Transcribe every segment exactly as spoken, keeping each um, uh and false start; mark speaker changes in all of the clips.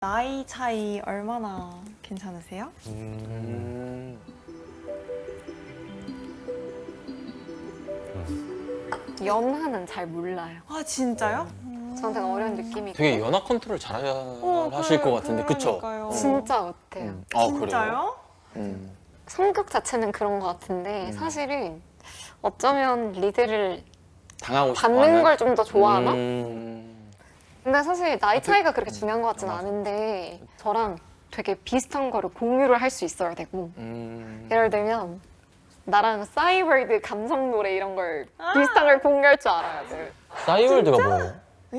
Speaker 1: 나이 차이 얼마나 괜찮으세요?
Speaker 2: 음.
Speaker 3: 연하는 잘 몰라요.
Speaker 1: 아 진짜요?
Speaker 3: 저한테 어려운 느낌이
Speaker 2: 되게
Speaker 3: 있고.
Speaker 2: 연하 컨트롤 잘
Speaker 1: 어,
Speaker 2: 하실
Speaker 1: 그래,
Speaker 2: 것 같은데, 그쵸?
Speaker 1: 그러니까요.
Speaker 3: 진짜 못해요.
Speaker 2: 음. 아,
Speaker 1: 진짜요?
Speaker 2: 그래요? 음.
Speaker 3: 성격 자체는 그런 것 같은데 사실은 어쩌면 리드를
Speaker 2: 당하고 싶어
Speaker 3: 받는
Speaker 2: 하는?
Speaker 3: 걸 좀 더 좋아하나?
Speaker 2: 음.
Speaker 3: 근데 사실 나이 차이가 그렇게 중요한 것 같지는 않은데 저랑 되게 비슷한 거를 공유를 할 수 있어야 되고
Speaker 2: 음.
Speaker 3: 예를 들면 나랑 싸이월드 감성 노래 이런 걸 비슷한 걸 공유할 줄 알아야 돼.
Speaker 2: 싸이월드가 뭐예요?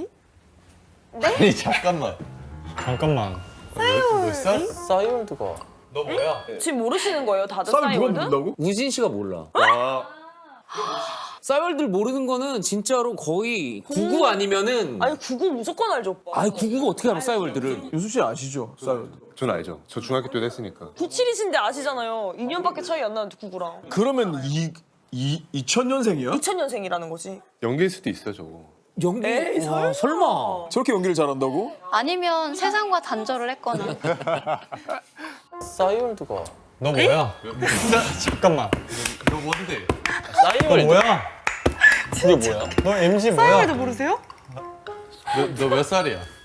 Speaker 4: 아니 잠깐만.
Speaker 5: 잠깐만.
Speaker 4: 몇 살?
Speaker 2: 싸이월드가
Speaker 4: 너 뭐야?
Speaker 6: 지금 모르시는 거예요, 다들
Speaker 7: 싸이 누가
Speaker 6: 싸이월드?
Speaker 7: 모른다고?
Speaker 8: 우진 씨가 몰라.
Speaker 4: 와.
Speaker 8: 싸이월드를 모르는 거는 진짜로 거의 구구 아니면은
Speaker 6: 아니 구구 무조건 알죠, 오빠.
Speaker 8: 아니 구구가 어떻게 알아 싸이월드를?
Speaker 7: 유수 씨 아시죠? 싸이.
Speaker 4: 전 알죠. 저 중학교 때도 했으니까.
Speaker 6: 구칠이신데 아시잖아요. 이 년밖에 차이 안 나는데 구구랑.
Speaker 7: 그러면 이, 이 이천 년생이야?
Speaker 6: 이천 년생이라는 거지.
Speaker 4: 연기일 수도 있어 저거.
Speaker 8: 연기?
Speaker 6: 에이,
Speaker 8: 와, 설마.
Speaker 7: 저렇게 연기를 잘한다고?
Speaker 9: 아니면 세상과 단절을 했거나.
Speaker 2: 싸이월드가
Speaker 5: 너 뭐야? 잠깐만.
Speaker 4: 너 뭔데?
Speaker 5: 너
Speaker 2: 싸이월드
Speaker 5: 뭐야?
Speaker 2: 그게 뭐야?
Speaker 5: 너 엠지
Speaker 1: 싸이월드
Speaker 5: 뭐야?
Speaker 1: 모르세요?
Speaker 4: 너 몇 살이야?